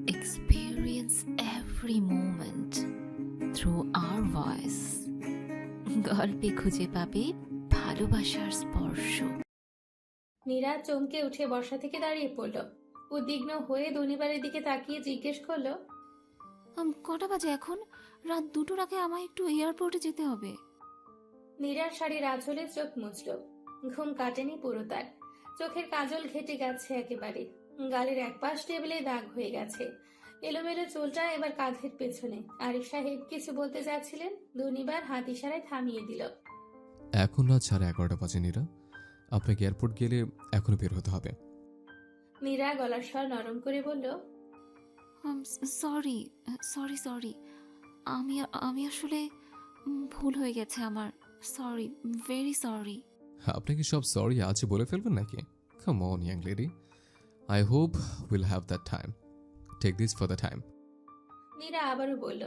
experience every moment through our voice. গল্পে খুঁজে পাবে ভালোবাসার স্পর্শ। নীরা চমকে উঠে বসা থেকে দাঁড়িয়ে পড়ল। উদ্বিগ্ন হয়ে দনিবারের দিকে তাকিয়ে জিজ্ঞেস করলো, কটা বাজে এখন? রাত 2টোর আগে আমায় একটু এয়ারপোর্টে যেতে হবে। নীরার শাড়ির আঁচলে চোখ মুছল। ঘুম কাটেনি পুরো তার। চোখের কাজল ঘেটে গেছে একেবারে। গালের একপাশ টেবিলে দাগ হয়ে গেছে। এলোমেলো চুলটা এবার কাঁধের পেছনে। আরিফ সাহেব কিছু বলতে যাচ্ছিলেন, দনিবার হাত ইশারায় থামিয়ে দিল। এখন রাত 11:30 বাজে নীরা, আপনাকে এয়ারপোর্ট গেলে এখনো বের হতে হবে। নীরা গলার স্বর নরম করে বলল, সরি সরি সরি, আমি আমি আসলে ভুল হয়ে গেছে আমার। Sorry, very sorry. আপনি কি সব সরি আছে বলে ফেলবেন নাকি? Come on young lady, I hope will have that time. Take this for the time. Nira আবারও বলল,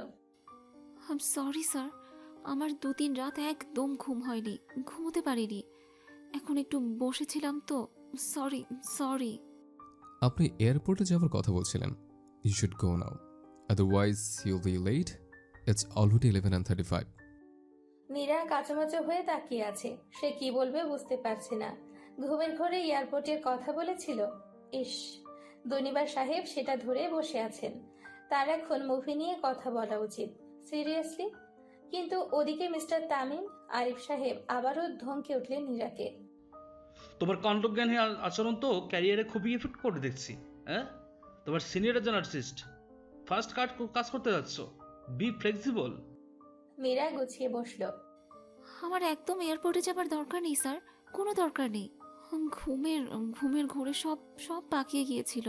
সরি স্যার, আমার 2-3 রাত একদম ঘুম হয়নি, ঘুমোতে পারিনি। এখন একটু বসেছিলাম তো। Sorry sorry. আপনি এয়ারপোর্টে যাওয়ার কথা বলছিলেন। You should go now, otherwise you'll be late. It's already 11:35। Nira কাঁচামাচো হয়ে তাকিয়ে আছে। সে কি বলবে বুঝতে পারছে না। ঘুমের ঘরে এয়ারপোর্টের কথা বলেছিল। ইস, দনিবার সাহেব সেটা ধরে বসে আছেন। তার এখন মুভি নিয়ে কথা বলা উচিত, সিরিয়াসলি। কিন্তু ওদিকে মিস্টার তামিম, আরিফ সাহেব আবারও ধমকে উঠলেন নীরাকে। তোমার কণ্ঠজ্ঞানী আচরণ তো ক্যারিয়ারে খুবই এফেক্ট করে দেখছি। হ্যাঁ, তোমার সিনিয়র একজন আর্টিস্ট, ফার্স্ট কাজ করতে যাচ্ছ, বি ফ্লেক্সিবল। নীরা গুছিয়ে বসলো। আমার একদম এয়ারপোর্টে যাবার দরকার নেই স্যার, কোনো দরকার নেই। ঘুমের ঘুমের ঘোরে সব সব পাকিয়ে গিয়েছিল।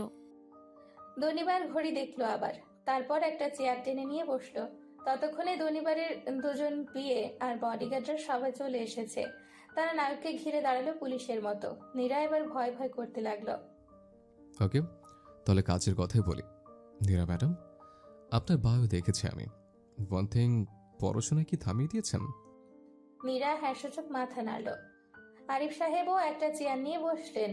দনিবার ঘড়ি দেখলো আবার। তারপর একটা চেয়ার টেনে নিয়ে বসলো। ততক্ষণে দনিবারের দুজন বিয়ে আর বডিগার্ডরা সবাই চলে এসেছে। তারা নায়ককে ঘিরে দাঁড়ালো পুলিশের মতো। নীরা এবার ভয় ভয় করতে লাগলো। ওকে, তাহলে কাজের কথাই বলি। নীরা ম্যাডাম, আপনার বায়ো দেখেছি আমি। ওয়ান থিং, পড়াশোনা কি থামিয়ে দিয়েছেন? নীরা হ্যাঁসূচক মাথা নাড়ল। আরিফ সাহেবও একটা চেয়ার নিয়ে বসলেন।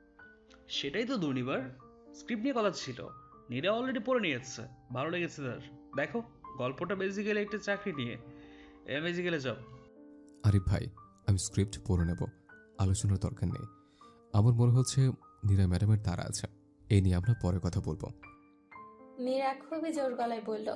সেটাই তো দুর্নিবার, স্ক্রিপ্ট নিয়ে কথা ছিল। নীরা অলরেডি পড়ে নিয়েছে, ভালো লেগেছে তার। দেখো, গল্পটা বেসিক্যালি একটা চাকরি নিয়ে, বেসিক্যালি জব। আরিফ ভাই, আমি স্ক্রিপ্ট পড়ে নেব, আলোচনার দরকার নেই। আমার মনে হচ্ছে নীরা ম্যাডামের তারা আছে, এই নিয়ে আমরা পরে কথা বলবো। নীরা খুবই জোর গলায় বলল,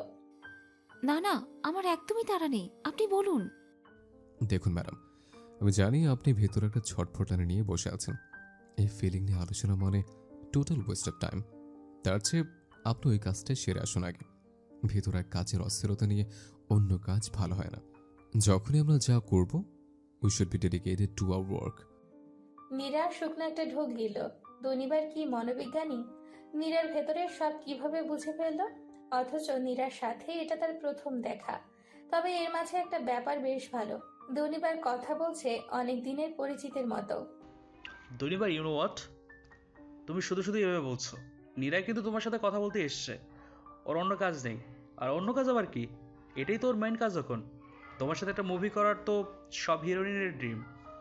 না না, আমার একদমই তাড়া নেই, আপনি বলুন। দেখুন ম্যাডাম, আমি জানি আপনি ভেতরে একটা ছটফটানি নিয়ে বসে আছেন। এই ফিলিং নিয়ে আলোচনা মানে টোটাল ওয়েস্ট অফ টাইম। তার চেয়ে আপনি ওই কাজটা সেরে আসুন আগে। ভেতরে এক কাজের অস্থিরতা নিয়ে অন্য কাজ ভালো হয় না। যখনই আমরা যা করব, we should be dedicated to our work. Nira শুকনো একটা ঢোক গিল। দনিবার কি মনোবিজ্ঞানী! নীরার ভেতরের সব কিভাবে বুঝে ফেলল? অথচ নীরার সাথে এটা তার প্রথম দেখা। তবে এর মাঝে একটা ব্যাপার বেশ ভালো। দনিবার কথা বলছে অনেক দিনের পরিচিতের মতো। দুর্নিবার, ইউ নো হোয়াট, তুমি শুধু শুধু এভাবে বলছো। নীরা কিন্তু তোমার সাথে কথা বলতে এসছে, ওর অন্য কাজ নেই। আর অন্য কাজ আবার কি? এটাই তো ওর মেইন কাজ। এখন তোমার সাথে একটা মুভি করার তো সব হিরোইনের ড্রিম।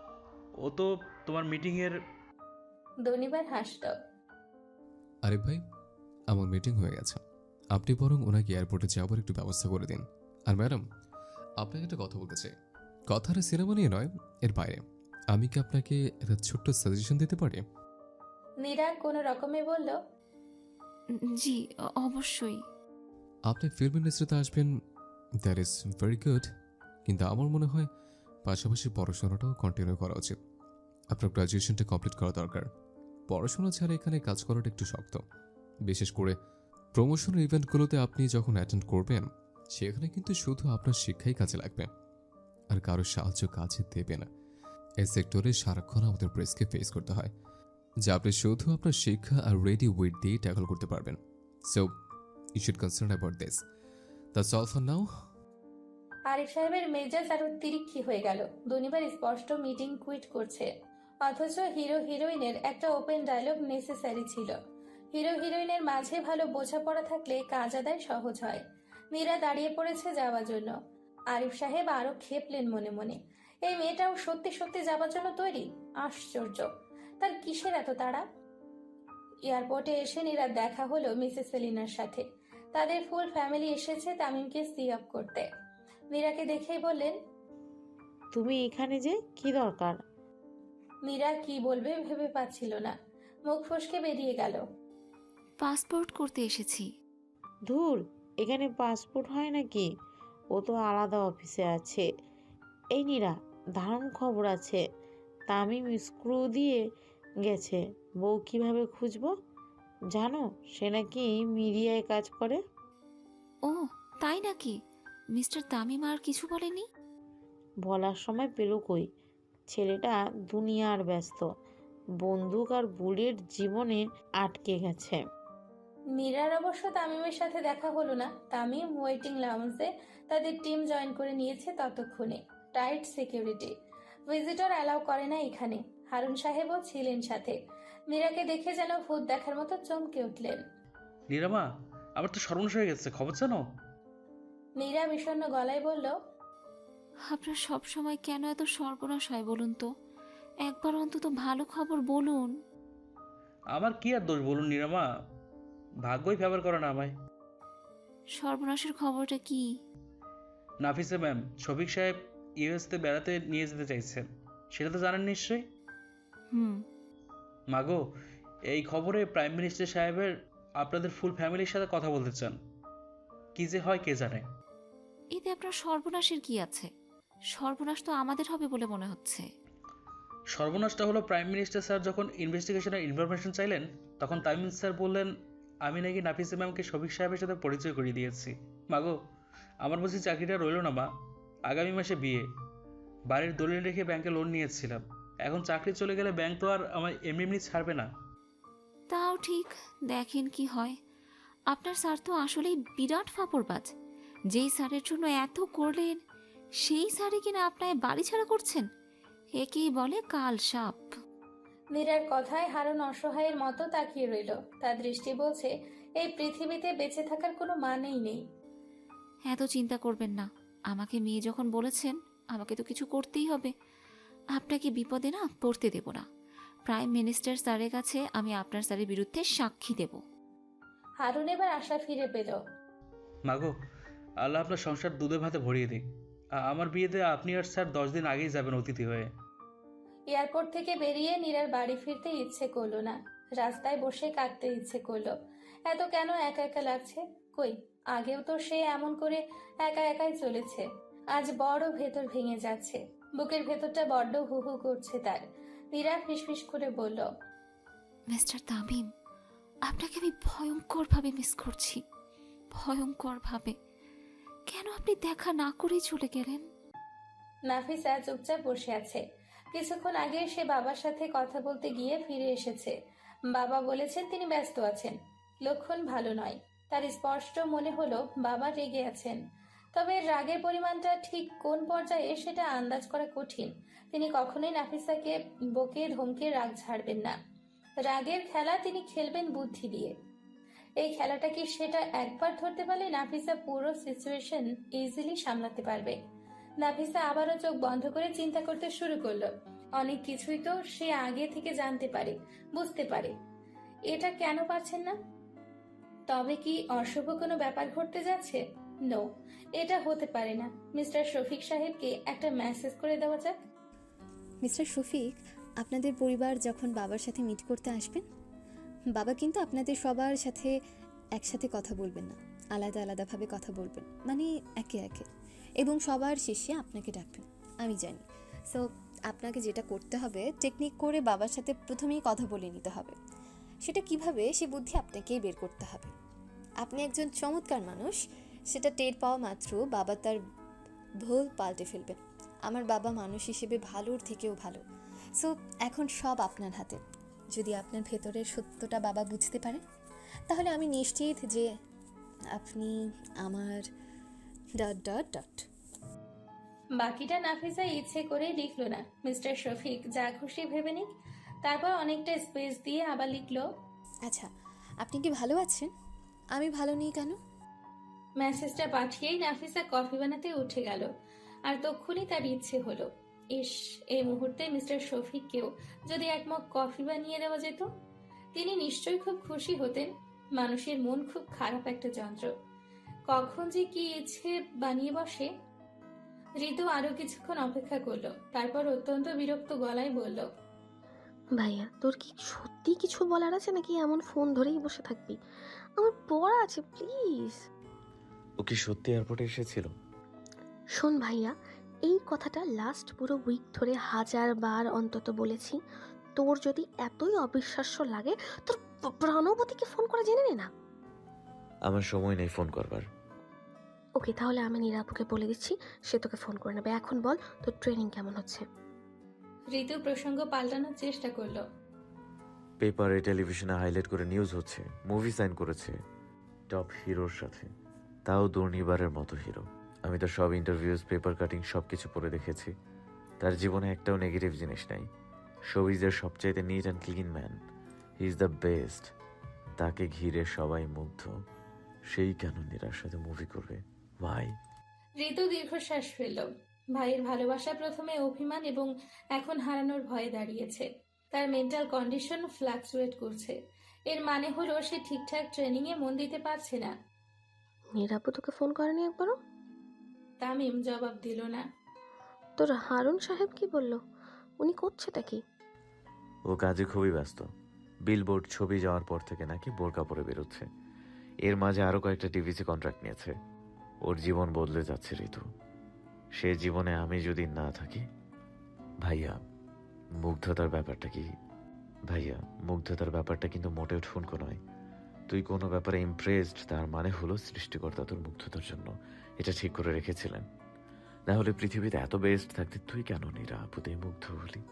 ও তো তোমার মিটিংয়ের। দনিবার হাসল। আরিফ ভাই, আমার মিটিং হয়ে গেছে, আপনি বরং ওনাকে এয়ারপোর্টে যাওয়ার একটু ব্যবস্থা করে দিন। আর ম্যাডাম, আপনাকে একটা কথা বলতে চাই। কথাটা সিনেমা নিয়ে নয়, এর বাইরে। আমি কি আপনাকে একটা ছোট্ট সাজেশন দিতে পারি? নীরা কোনো রকমে বলল, জি, অবশ্যই। আপনি ফিল্ম ইন্ডাস্ট্রিতে আসবেন, দ্যাট ইজ ভেরি গুড, কিন্তু আমার মনে হয় পাশাপাশি পড়াশোনাটাও কন্টিনিউ করা উচিত। আপনার গ্র্যাজুয়েশনটা কমপ্লিট করা দরকার। পড়াশোনা ছাড়া এখানে কাজ করাটা একটু শক্ত। বিশেষ করে প্রমোশনের ইভেন্টগুলোতে আপনি যখন অ্যাটেন্ড করবেন, সেখানে কিন্তু শুধু আপনার শিক্ষাই কাজে লাগবে, আর কারোর সাহায্য কাজে দেবে না। এই সেক্টরে সারাক্ষণ আমাদের প্রেসকে ফেস করতে হয়, যা আপনি শুধু আপনার শিক্ষা আর রেডি ওয়েট দিয়ে ট্যাকল করতে পারবেন। So you should concern about this. That's all for now. Arif সাহেবের মেজাজ আরো তিরিক্ষি হয়ে গেল। দনিবার স্পষ্ট মিটিং কুইট করছে, অথচ হিরো হিরোইনের একটা ওপেন ডায়লগ নেসেসারি ছিল। হিরো হিরোইনের মাঝে ভালো বোঝাপড়া থাকলে কাজ আদায় সহজ হয়। মীরা দাঁড়িয়ে পড়েছে যাওয়ার জন্য। আরিফ সাহেব আরো খেপলেন মনে মনে। এই মেয়েটাও সত্যি সত্যি যাবার জন্য তৈরি? আশ্চর্য! তার কিসের এত তাড়া? এয়ারপোর্টে এসে নীরার দেখা হলো মিসেস সেলিনার সাথে। তাদের ফুল ফ্যামিলি এসেছে তামিমকে সি আপ করতে। নীরাকে দেখেই বললেন, তুমি এখানে যে কি দরকার? নীরা কি বলবে ভেবে পাচ্ছিল না, মুখ ফসকে বেরিয়ে গেল। পাসপোর্ট করতে এসেছি। ধুর, এখানে পাসপোর্ট হয় নাকি? ও তো আলাদা অফিসে আছে। এই নীরা, দারুণ খবর আছে। তামিম স্ক্রু দিয়ে গেছে। বউ কিভাবে খুঁজবো? জানো, সে নাকি মিডিয়ায় কাজ করে। ও তাই নাকি? মিস্টার তামিম আর কিছু বলেনি? বলার সময় পেল কই। ছেলেটা দুনিয়ার ব্যস্ত, বন্দুক আর বুলেট জীবনে আটকে গেছে। নীরার অবশ্য তামিমের সাথে দেখা হলো না। তামিম ওয়েটিং লাউঞ্জে তাদের টিম জয়েন করে নিয়েছে ততক্ষণে। টাইট সিকিউরিটি, ভিজিটর অ্যালাউ করে না এখানে। হারুন সাহেবও ছিলেন সাথে। নীরাকে দেখে যেন ভূত দেখার মতো চমকে উঠলেন। নীরামা, আমার তো সর্বনাশ হয়ে গেছে, খবর জানো? নীরা বিষণ্ণ গলায় বলল, আপনার সব সময় কেন এত সর্বনাশ হয় বলুন তো? একবার অন্তত ভালো খবর বলুন। আমার কি আর দোষ বলুন নীরামা, ভাগ্যই ফেভার করে না আমায়। সর্বনাশের খবরটা কি? নাফিসা ম্যাম শফিক সাহেব ইউএসতে বেড়াতে নিয়ে যেতে চাইছেন, সেটা তো জানেন নিশ্চয়ই। হুম। মাগো, এই খবরে প্রাইম মিনিস্টার সাহেবের আপনাদের ফুল ফ্যামিলির সাথে কথা বলতে চান। কি যে হয় কে জানে। এতে আপনার সর্বনাশের কি আছে? সর্বনাশ তো আমাদের হবে বলে মনে হচ্ছে। সর্বনাশটা হলো প্রাইম মিনিস্টার স্যার যখন ইনভেস্টিগেশনের ইনফরমেশন চাইলেন, তখন তামিম স্যার বললেন আমি নাকি নাফিসা ম্যামকে শফিক সাহেবের সাথে পরিচয় করিয়ে দিয়েছি। মাগো, আমার বুঝি চাকরিটা রইল না মা। আগামী মাসে বিয়ে, বাড়ির দলিল রেখে ব্যাংকে লোন নিয়েছিলাম। এখন চাকরি চলে গেলে ব্যাংক তো আর আমার এমনি এমনি ছাড়বে না। তাও ঠিক, দেখেন কি হয়। আপনার স্যার তো আসলেই বিরাট ফাপড়বাজ। যেই স্যারের জন্য এত করলেন, সেই স্যারই কিনা আপনায় বাড়ি ছাড়া করছেন। একেই বলে কাল সাপ। নীরার কথায় হারুন অসহায়ের মতো তাকিয়ে রইল। তার দৃষ্টি বলছে এই পৃথিবীতে বেঁচে থাকার কোনো মানেই নেই। এত চিন্তা করবেন না। আমাকে মেয়ে যখন বলেছেন, আমাকে তো কিছু করতেই হবে। আপনাকে বিপদে না পড়তে দেব না। প্রাইম মিনিস্টার স্যারের কাছে আমি আপনার স্যারের বিরুদ্ধে সাক্ষী দেব। হারুন এবার আশা ফিরে পেল। মাগো, আল্লাহ আপনার সংসার দুধে ভাতে ভরিয়ে দিক। আমার বিয়েতে আপনি আর স্যার 10 দিন আগেই যাবেন অতিথি হয়ে। এয়ারপোর্ট থেকে বেরিয়ে নীরার বাড়ি ফিরতে ইচ্ছে করলো না। রাস্তায় বসে কাঁদতে ইচ্ছে করলো। এত কেন একা একা লাগছে? কই, আগেও তো সে এমন করে একা একাই চলেছে। আজ বড় ভেতর ভেঙে যাচ্ছে। বুকের ভেতরটা বড্ড হু হু করছে তার। নীরা ফিসফিস করে বলল, মিস্টার তামিম, আপনাকে আমি ভয়ঙ্করভাবে মিস করছি। ভয়ঙ্করভাবে। কেন আপনি দেখা না করেই চলে গেলেন? নাফিসা চুপচাপ বসে আছে। কিছুক্ষণ আগে সে বাবার সাথে কথা বলতে গিয়ে ফিরে এসেছে। বাবা বলেছেন তিনি ব্যস্ত আছেন। লক্ষণ ভালো নয়। তার স্পষ্ট মনে হলো বাবা রেগে আছেন। তবে রাগের পরিমাণটা ঠিক কোন পর্যায়ে সেটা আন্দাজ করা কঠিন। তিনি কখনোই নাফিসাকে বকে ধমকে রাগ ছাড়বেন না। রাগের খেলা তিনি খেলবেন বুদ্ধি দিয়ে। এই খেলাটা কি সেটা একবার ধরতে পারলে নাফিসা পুরো সিচুয়েশন ইজিলি সামলাতে পারবে। নাফিসা আবারও চোখ বন্ধ করে চিন্তা করতে শুরু করলো। অনেক কিছুই তো সে আগে থেকে জানতে পারে, বুঝতে পারে। এটা কেন পারছেন না? তবে কি অশুভ কোনো ব্যাপার ঘটতে যাচ্ছে? নো, এটা হতে পারে না। মিস্টার শফিক সাহেবকে একটা মেসেজ করে দেওয়া যাক। মিস্টার শফিক, আপনাদের পরিবার যখন বাবার সাথে মিট করতে আসবেন, বাবা কিন্তু আপনাদের সবার সাথে একসাথে কথা বলবেন না, আলাদা আলাদাভাবে কথা বলবেন, মানে একে একে, এবং সবার শেষে আপনাকে ডাকবেন। আমি জানি। সো আপনাকে যেটা করতে হবে, টেকনিক করে বাবার সাথে প্রথমেই কথা বলে নিতে হবে। সেটা কিভাবে, সে বুদ্ধি আপনাকেই বের করতে হবে। আপনি একজন চমৎকার মানুষ, সেটা টের পাওয়া মাত্র বাবা তার ভুল পাল্টে ফেলবেন। আমার বাবা মানুষ হিসেবে ভালোর থেকেও ভালো। সো এখন সব আপনার হাতে। যদি আপনার ভেতরের সত্যটা বাবা বুঝতে পারে, তাহলে আমি নিশ্চিত যে আপনি আমার ... বাকিটা নাফিসা ইচ্ছে করে লিখলো না। মিস্টার শফিক যা খুশি ভেবে নিক। তারপর অনেকটা স্পেস দিয়ে আবার লিখলো, আচ্ছা, আপনি কি ভালো আছেন? আমি ভালো নেই কেন? মেসেজটা পাঠিয়েই নাফিসা কফি বানাতে উঠে গেল। আর তক্ষুনি তার ইচ্ছে হলো, ইস, এই মুহূর্তে মিস্টার শফিককেও যদি এক মগ কফি বানিয়ে দেওয়া যেত। তিনি নিশ্চয়ই খুব খুশি হতেন। মানুষের মন খুব খারাপ একটা যন্ত্র, কখন যে কি ইচ্ছে বানিয়ে বসে। ঋতু আরো কিছুক্ষণ অপেক্ষা করলো, তারপর অত্যন্ত বিরক্ত গলায় বলল, ভাইয়া তোর কি সত্যি কিছু বলার আছে নাকি এমন ফোন ধরেই বসে থাকবি? আমার পড়া আছে, প্লিজ। ও কি সত্যি এয়ারপোর্টে এসেছিল? শোন ভাইয়া, এই কথাটা লাস্ট পুরো উইক ধরে 1000 বার অন্তত বলেছি। তোর যদি এতই অবিশ্বাস্য লাগে, তোর প্রণবতীকে ফোন করে জেনে নে না। আমার সময় নেই ফোন করবার। ওকে, তাহলে আমি নীরাপুকে বলে দিচ্ছি, সে তোকে ফোন করে নেবে। এখন বল, তোর ট্রেনিং কেমন হচ্ছে? ঋতু প্রসঙ্গ পাল্টানোর চেষ্টা করলো। পেপারে টেলিভিশনে হাইলাইট করে নিউজ হচ্ছে মুভি সাইন করেছে টপ হিরোর সাথে, তাও দুর্নিবারের মতো হিরো। আমি তো সব ইন্টারভিউজ, পেপার কাটিং সব কিছু পড়ে দেখেছি। তার জীবনে একটাও নেগেটিভ জিনিস নাই। শোবিজের সবচাইতে neat and clean man. He is the best. তাকে ঘিরে সবাই মুগ্ধ। সেই কেন নীরার সাথে মুভি করবে? ভাই, ঋতু দীর্ঘশ্বাস ফেলল। ভাইয়ের ভালোবাসা প্রথমে অভিমান এবং এখন হারানোর ভয়ে দাঁড়িয়েছে। তার মেন্টাল কন্ডিশন ফ্লাকচুয়েট করছে। এর মানে হলো সে ঠিকঠাক ট্রেনিং এ মন দিতে পারছে না। নীরাপু তোকে ফোন করেনি একবারও? তামিম জবাব দিল না। তোর হারুন সাহেব কি বলল? উনি করছেটা কি? ও কাজে খুবই ব্যস্ত। বিলবোর্ড ছবি যাওয়ার পর থেকে নাকি বোরকা পরে বেরোচ্ছে। এর মাঝে আরো কয়েকটা টিভিসি কন্ট্রাক্ট নিয়েছে। ওর জীবন বদলে যাচ্ছে ঋতু। সে জীবনে আমি যদি না থাকি। ভাইয়া, মুগ্ধতার ব্যাপারটা কি? ভাইয়া, মুগ্ধতার ব্যাপারটা কিন্তু মোটেও ঠুনকো নয়। তুই কোনো ব্যাপারে ইমপ্রেসড, তার মানে হলো সৃষ্টিকর্তা তোর মুগ্ধতার জন্য এটা ঠিক করে রেখেছিলেন। না হলে পৃথিবীতে এত বেস্ট থাকতে তুই কেন নিরাপদে মুগ্ধ হলি?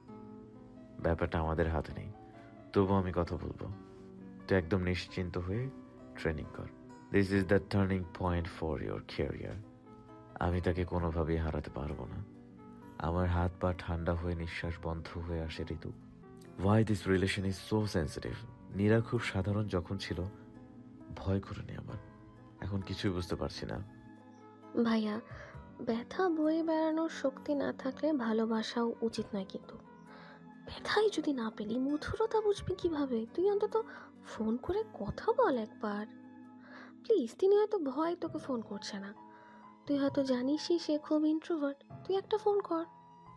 ব্যাপারটা আমাদের হাতে নেই। তবু আমি কথা বলবো, তুই একদম নিশ্চিন্ত হয়ে ট্রেনিং কর। This is the turning point for your career. আমি তাকে কোনোভাবেই হারাতে পারবো না। আমার হাত পা ঠান্ডা হয়ে নিঃশ্বাস বন্ধ হয়ে আসে Ritu. Why this relation is so sensitive. Nira খুব সাধারণ যখন ছিল, ভয় করেনি আমার। এখন কিছুই বুঝতে পারছি না। ভাইয়া, ব্যথা বয়ে বেড়ানোর শক্তি না থাকলে ভালোবাসাও উচিত নয়। কিন্তু ব্যথাই যদি না পেলি, মধুরতা বুঝবি কিভাবে? তুই অন্তত ফোন করে কথা বল একবার, প্লিজ। তিনি হয়তো ভয় তোকে ফোন করছে না। তুই হয়তো জানিসই সে খুব ইন্ট্রোভার্ট। তুই একটা ফোন কর।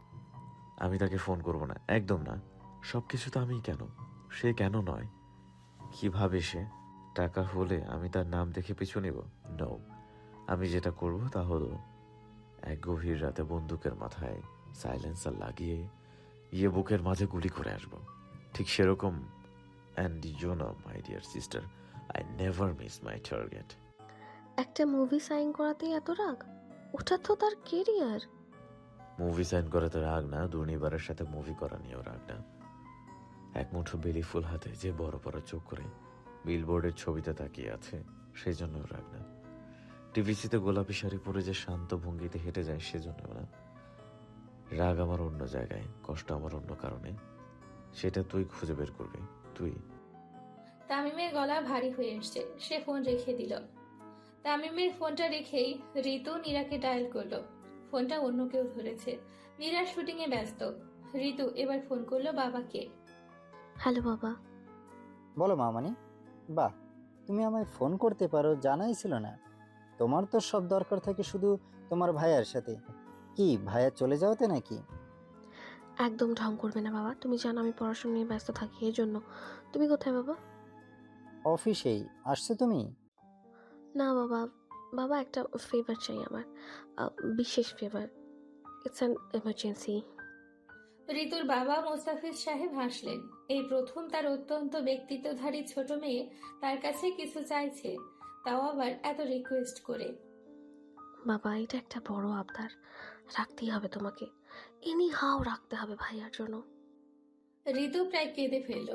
আমি তাকে ফোন করব না, একদম না। সবকিছু তো আমিই কেন, সে কেন নয়? কিভাবে সে? টাকা হলে আমি তার নাম দেখে পিছু নেব? নো। আমি যেটা করব তা হলো এক গভীর রাতে বন্দুকের মাথায় সাইলেন্সার লাগিয়ে গিয়ে বুকের মাঝে গুলি করে আসব। ঠিক সেরকম। And you know my dear sister, I never miss my target. একটা মুভি সাইন করাতেই এত রাগ? ওটা তো তার কেরিয়ার। মুভি সাইন করাতে রাগ না, দুর্নিবারের সাথে মুভি করা নিয়েও রাগ না। এক মুঠো বেলি ফুল হাতে যে বড় বড় চোখ করে বিলবোর্ডের ছবিতে তাকিয়ে আছে, সেই জন্য রাগ না। টিভিসিতে গোলাপি শাড়ি পরে যে শান্ত ভঙ্গিতে হেঁটে যায়, সেজন্য না। রাগ আমার অন্য জায়গায়, কষ্ট আমার অন্য কারণে। সেটা তুই খুঁজে বের করবি। তুই। তামিমের গলা ভারী হয়ে এসছে। সে ফোন রেখে দিল। তামিমের ফোনটা রেখেই ঋতু নীরাকে ডায়াল করলো। ফোনটা অন্য কেউ ধরেছে। নীরা শুটিং এ ব্যস্ত। ঋতু এবার ফোন করলো বাবাকে। হ্যালো বাবা। বলো মামানি। বাহ, তুমি আমায় ফোন করতে পারো, জানাই ছিল না। তোমার তো সব দরকার থাকে শুধু তোমার ভাইয়ার সাথে। কি ভাইয়া চলে যাওয়াতে নাকি? একদম ঢং করবে না বাবা, তুমি জানো আমি পড়াশোনা নিয়ে ব্যস্ত থাকি, এই জন্য। তুমি কোথায় বাবা? অফিসেই আসছো তুমি? না বাবা, বাবা একটা ফেভার চাই আমার, বিশেষ ফেভার। It's an emergency. ঋতুর বাবা মোস্তাফিজ সাহেব হাসলেন। এই প্রথম তার অত্যন্ত ব্যক্তিত্বধারী ছোট মেয়ে তার কাছে কিছু চাইছে, তাও আবার এত রিকোয়েস্ট করে। বাবা, এটা একটা বড় আবদার, রাখতেই হবে তোমাকে। এনি হাও রাখতে হবে ভাইয়ার জন্য। ঋতু প্রায় কেঁদে ফেলল।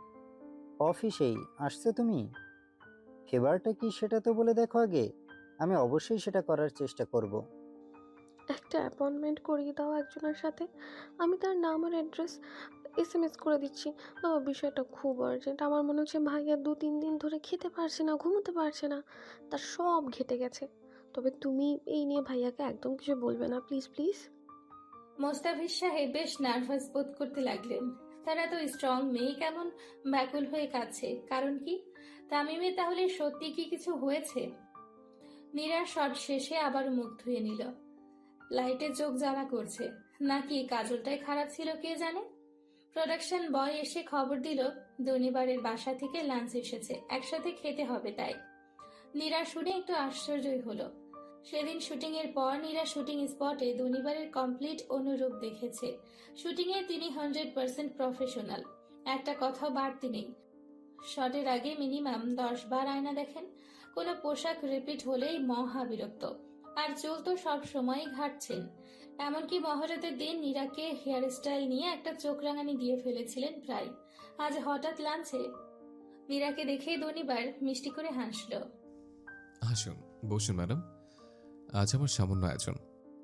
অফিসেই আসছো তুমি? ফেভারটা কি সেটা তো বলে দেখো আগে। আমি অবশ্যই সেটা করার চেষ্টা করব। একটা অ্যাপয়েন্টমেন্ট করিয়ে দাও একজনের সাথে। আমি তার নাম আর অ্যাড্রেস SMS করে দিচ্ছি। বাবা, বিষয়টা খুব আর্জেন্ট। আমার মনে হচ্ছে ভাইয়া 2-3 দিন ধরে খেতে পারছে না, ঘুমোতে পারছে না, তার সব ঘেটে গেছে। তবে তুমি এই নিয়ে ভাইয়াকে একদম কিছু বলবে না, প্লিজ প্লিজ। মোস্তাফিজ সাহেব বেশ নার্ভাস বোধ করতে লাগলেন। তারা তো স্ট্রং মেয়ে কেমন ব্যাকুল হয়ে কাঁদছে, কারণ কি? তামিমের তাহলে সত্যি কি কিছু হয়েছে? নীরার শট শেষে আবার মুখ ধুয়ে নিল। লাইটে চোখ জ্বালা করছে, নাকি কাজলটাই খারাপ ছিল কে জানে। প্রোডাকশন বয় এসে খবর দিল দনিবারের বাসা থেকে লাঞ্চ এসেছে, একসাথে খেতে হবে। তাই নীরা শুনে একটু আশ্চর্যই হলো। সেদিন শুটিং এর পর নীরা শুটিং স্পটে দনিবারের কমপ্লিট অনুরূপ দেখেছে। শুটিং এ তিনি 100% প্রফেশনাল, একটা কথাও বাড়তি নেই। শটের আগে মিনিমাম 10 বার আয়না দেখেন, কোনো পোশাক রিপিট হলেই মহা বিরক্ত। আর চুল তো সব সময় ঘাটছেন। এমনকি মহরতের দিন নীরাকে হেয়ার স্টাইল নিয়ে একটা চোখ রাঙানি দিয়ে ফেলেছিলেন প্রায়। আজ হঠাৎ লাঞ্চে নীরাকে দেখেই দনিবার মিষ্টি করে হাসলো। আসুন, বসুন ম্যাডাম। আজ আমার সামান্য আয়োজন।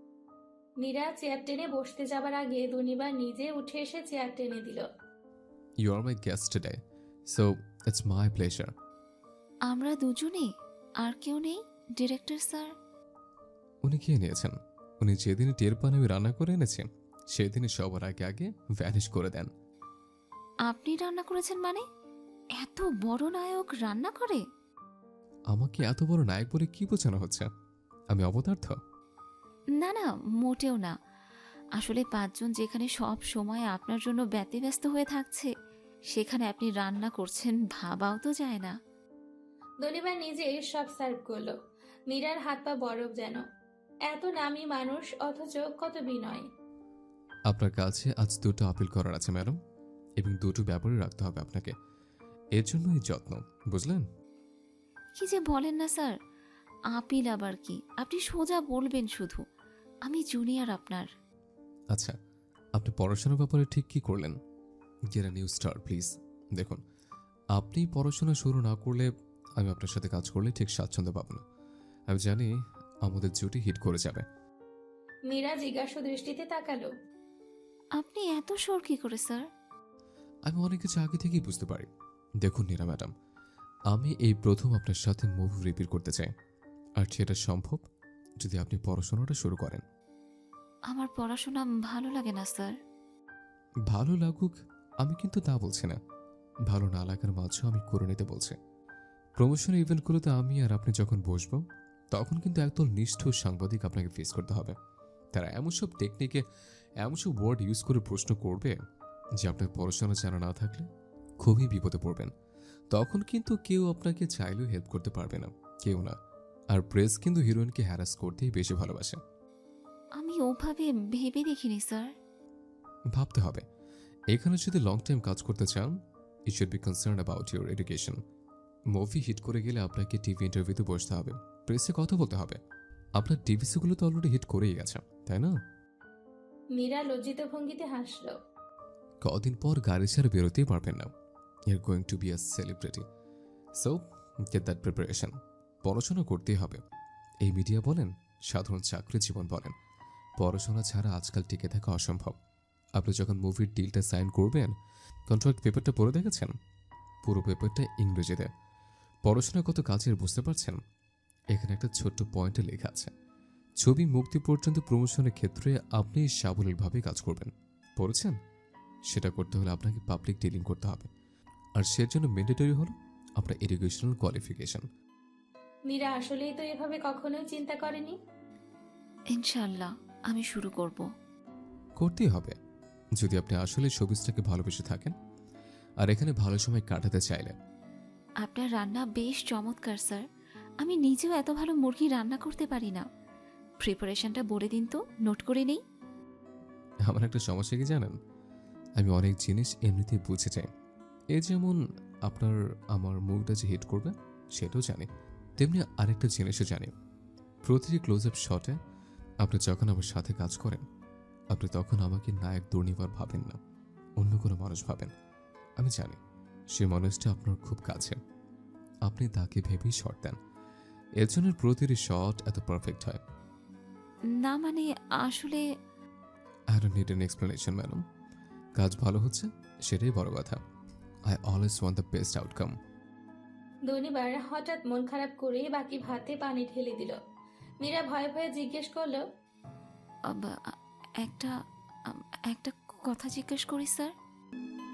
নীরা চেয়ার টেনে বসতে যাবার আগে দনিবার নিজে উঠে এসে চেয়ার টেনে দিল। You are my guest today, so it's my pleasure. আমরা দুজনে, আর কেউ নেই ডিরেক্টর স্যার? উনি খেয়ে নিয়েছেন। উনি যেদিনই টের পান আমি রান্না করে এনেছি, সেদিনই সবার আগে আগে ভ্যানিশ করে দেন। আপনি রান্না করেছেন মানে? এত বড় নায়ক রান্না করে? আমাকে এত বড় নায়ক বলে কি বোঝানো হচ্ছে? আমি অপদার্থ? না না, মোটেও না। আসলে 5 জন যেখানে সব সময় আপনার জন্য ব্যতিব্যস্ত হয়ে থাকছে, সেখানে আপনি রান্না করছেন ভাবাও তো যায় না। দনিবার নিজে সব সার্ভ করলো। নীরার হাত পা বরফ যেন। এত নামি মানুষ, অথচ কত বিনয়। আপনার কাছে আজ দুটো আপিল করার আছে ম্যাডাম, এবং দুটো ব্যাপারে রাখতে হবে আপনাকে। এর জন্য এই যত্ন, বুঝলেন? কি যে বলেন না স্যার, আপিল আবার কি? আপনি সোজা বলবেন শুধু। আমি জুনিয়র আপনার। আচ্ছা, আপনি পড়াশোনার ব্যাপারে ঠিক কি করলেন? Get a new star please. দেখুন, আপনি পড়াশোনা শুরু না করলে আমি আপনার সাথে কাজ করলে ঠিক স্বাচ্ছন্দ্য পাবো না। আমি জানি আমাদের জুটি হিট করে যাবে। নীরা জিজ্ঞাসা দৃষ্টিতে তাকালো। আপনি এত শোর কি করে স্যার? আমি অনেক কিছু আগে থেকেই বুঝতে পারি। দেখুন নীরা ম্যাডাম, আমি এই প্রথম আপনার সাথে মুভি রিপিট করতে চাই, আর সেটা সম্ভব যদি আপনি পড়াশোনাটা শুরু করেন। আমার পড়াশোনা ভালো লাগে না স্যার। ভালো লাগুক আমি কিন্তু তা বলছি না, ভালো না লাগার মাঝেও আমি করে নিতে বলছি। প্রমোশন ইভেন্টগুলোতে আমি আর আপনি যখন বসবো, তখন কিন্তু একদল নিষ্ঠুর সাংবাদিক আপনাকে ফেস করতে হবে। তারা এমন সব টেকনিকে, এমন সব ওয়ার্ড ইউজ করে প্রশ্ন করবে যে আপনার পড়াশোনা জানা না থাকলে খুবই বিপদে পড়বেন। তখন কিন্তু কেউ আপনাকে চাইলেও হেল্প করতে পারবে না, কেউ না। আর প্রেস কিন্তু হিরোইনকে হ্যারাস করতেই বেশি ভালোবাসে। আমি ওভাবে ভেবে দেখিনি স্যার। ভাবতে হবে। এখানে যদি লং টাইম কাজ করতে চান, you should be concern about your education. Movie hit করে গেলে আপনাকে টিভি ইন্টারভিউতে বসতে হবে, প্রেসে কথা বলতে হবে। আপনার টিভিসিগুলো তো অলরেডি হিট করেই গেছে, তাই না? নীরা লজ্জিত ভঙ্গিতে হাসলো। কদিন পর গাড়ি ছেড়ে বেরোতেই পারবেন না। Your going to be a celebrity, so get that preparation. পড়াশোনা করতেই হবে। এই মিডিয়া বলেন, সাধারণ চাকরি জীবন বলেন, পড়াশোনা ছাড়া আজকাল টিকে থাকা অসম্ভব। আপনি যখন মুভির ডিলটা সাইন করবেন, কন্ট্রাক্ট পেপারটা পড়ে দেখেছেন? পুরো পেপারটা ইংরেজিতে। পড়াশোনা কত কাজের বুঝতে পারছেন? এখানে একটা ছোট্ট পয়েন্টে লেখা আছে, ছবি মুক্তি পর্যন্ত প্রমোশনের ক্ষেত্রে আপনি সাবলীলভাবে কাজ করবেন। পড়েছেন? সেটা করতে হলে আপনাকে পাবলিক ডিলিং করতে হবে, আর সের জন্য ম্যান্ডেটরি হলো আপনার এডুকেশনাল কোয়ালিফিকেশন। নীরা আসলেই তো এভাবে কখনোই চিন্তা করেনি। ইনশাআল্লাহ আমি শুরু করব। করতেই হবে যদি আপনি আসলে শোবিজটাকে ভালোবেসে থাকেন আর এখানে ভালো সময় কাটাতে চাইলে। আপনার রান্না বেশ চমৎকার স্যার। আমি নিজেও এত ভালো মুরগি রান্না করতে পারি না। প্রিপারেশনটা বলে দিন তো, নোট করে নেই। আমার একটা সমস্যা কি জানেন? আমি অনেক জিনিস এমনিতেই বুঝে যাই। এই যেমন আপনার আমার মুভটা যে হিট করবে সেটাও জানি, তেমনি আরেকটা জিনিসও জানি। প্রতিটি ক্লোজ আপ শটে আপনি যখন আমার সাথে কাজ করেন, আপনি তখন আমাকে নায়ক দুর্নিবার ভাবেন না, অন্য কোনো মানুষ ভাবেন। আমি জানি সে মানুষটা আপনার খুব কাছে, আপনি তাকে ভেবেই শট দেন। এর জন্য প্রতিটি শট এত পারফেক্ট হয়। না মানে আসলে I don't need an explanation, madam. কাজ ভালো হচ্ছে সেটাই বড় কথা। I always want the best outcome. দনিবার হঠাৎ মন খারাপ করে বাকি ভাতে পানি ঢেলে দিল। নীরা ভয়ে ভয়ে জিজ্ঞেস করলো, একটা একটা কথা জিজ্ঞেস করি স্যার।